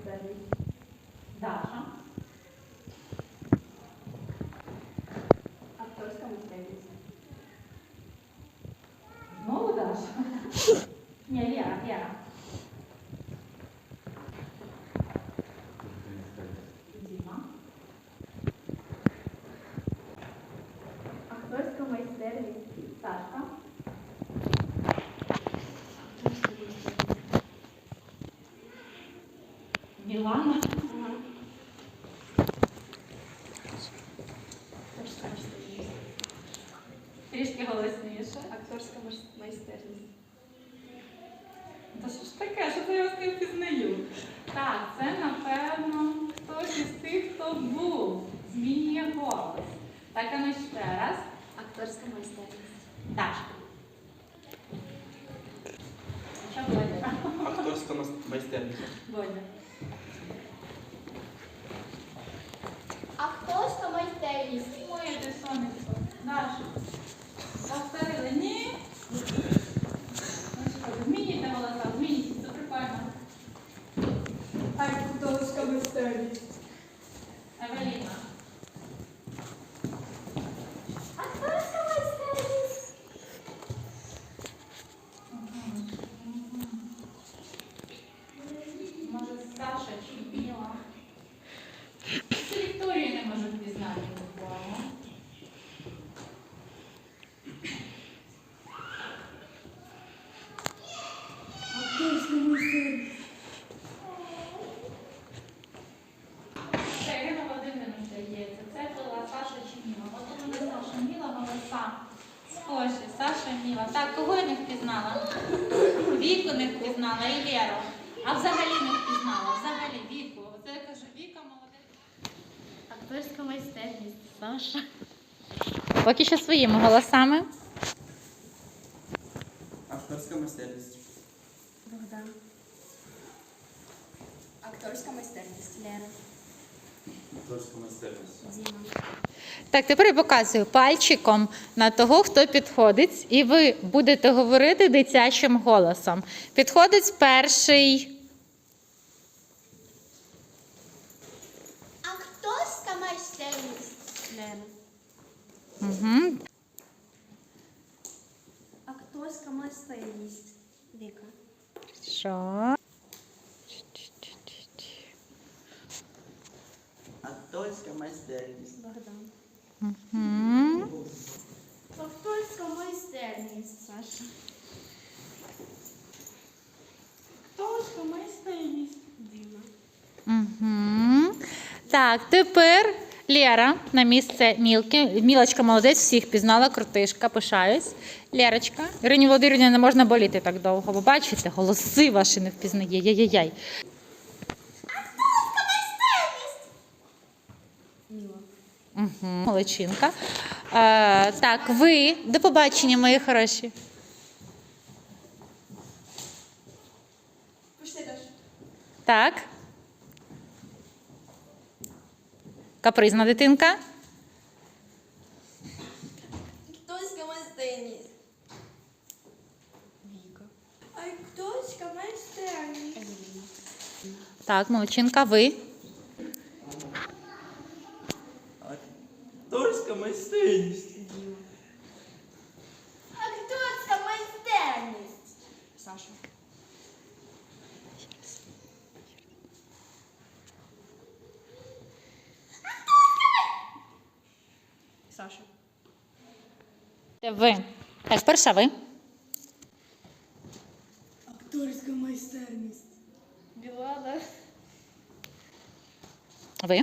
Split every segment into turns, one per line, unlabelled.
майстерність?
Даша.
Акторська майстерність.
Знову Даша? Ні, Лера. Діма.
Акторська майстерність.
Сашка. Мілана.
Акторська майстерність.
Трішки голосніше.
Акторська майстерність.
Та що ж таке, що це я вас не впізнаю? Так, це, напевно, хтось із тих, хто був. Змінює голос. Так, а ну ще раз.
Акторська майстерність.
Дашка. Що Бодя?
Акторська майстерність.
Бодя.
Акторська майстерність.
Моє ти сонечко. Даша. Повторили? Ні? Ну що, змінюйте голоса, змінюйте, це прикольно.
Акторська майстерність.
Евеліна.
Акторська майстерність.
Може, Саша чи Біла? Це Вікторію не можу впізнати буквально.
Акторська майстерність.
Це Ірина Володимирівна, здається. Це була Саша чи Міла. От у мене Саша Міла, голоса. Схожі, Саша Міла. Так, кого я не впізнала? Віку не впізнала і Леру. А взагалі не впізнала. Взагалі Віку. Оце я кажу, Віка молодець.
Акторська майстерність.
Саша. Поки що своїми голосами.
Акторська майстерність.
Богдан. Акторська майстерність. Лера.
Акторська майстерність.
Діма.
Так, тепер я показую пальчиком на того, хто підходить, і ви будете говорити дитячим голосом. Підходить перший.
Акторська майстерність. Лера.
Угу.
Акторська майстерність. Віка.
Що?
Акторська майстерність.
Богдан.
Угу.
Акторська майстерність. Саша.
Акторська майстерність.
Діма.
Угу. Так, тепер Лера на місце Мілки. Мілочка молодець, всіх пізнала, крутишка, пишаюсь. Лерочка. Ірині Володимирівні не можна боліти так довго, бо бачите, голоси ваші не впізнає. Яй-яй-яй.
Акторська майстерність. Міла.
Угу. Молодчинка. Так, ви. До побачення, мої хороші.
Пішли далі.
Так. Капризна дитинка.
Акторська майстерність. Віка. Акторська майстерність.
Так, молодчинка, ви.
Акторська майстерність.
Діма. Акторська майстерність. Саша. Саша.
Ви. Так, перша ви.
Акторська майстерність. Білана.
Ви.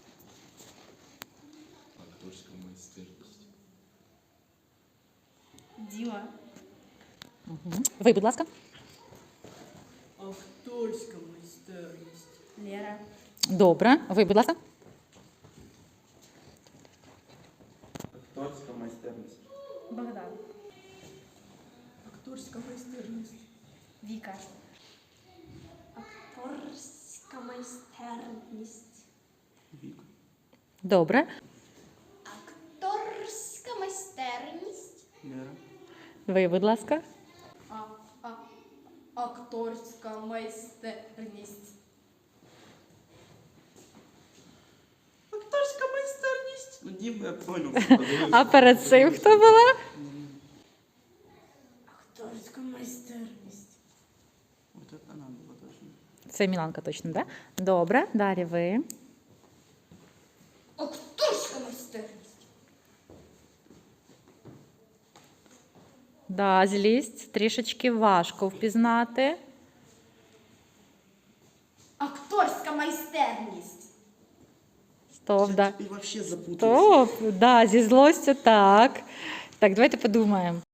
Акторська майстерність.
Діма.
Угу. Ви, будь ласка.
Акторська майстерність. Лера.
Добре. Ви, будь ласка.
Акторська майстерність.
Богдан. Акторська майстерність. Віка. Акторська майстерність.
Віка.
Добре.
Акторська майстерність.
Лера.
Ви, будь ласка.
Акторська майстерність.
Ну, Діма, я понял.
А перед цим хто була?
Акторська майстерність.
Вот это она была точно.
Це Міланка точно, так? Да? Добре, далі ви.
Акторська майстерність.
Да, злість трішечки важко впізнати.
Акторська майстерність.
Стоп, да.
И вообще запутался.
Стоп, да, зі злостю так. Так, давайте подумаємо.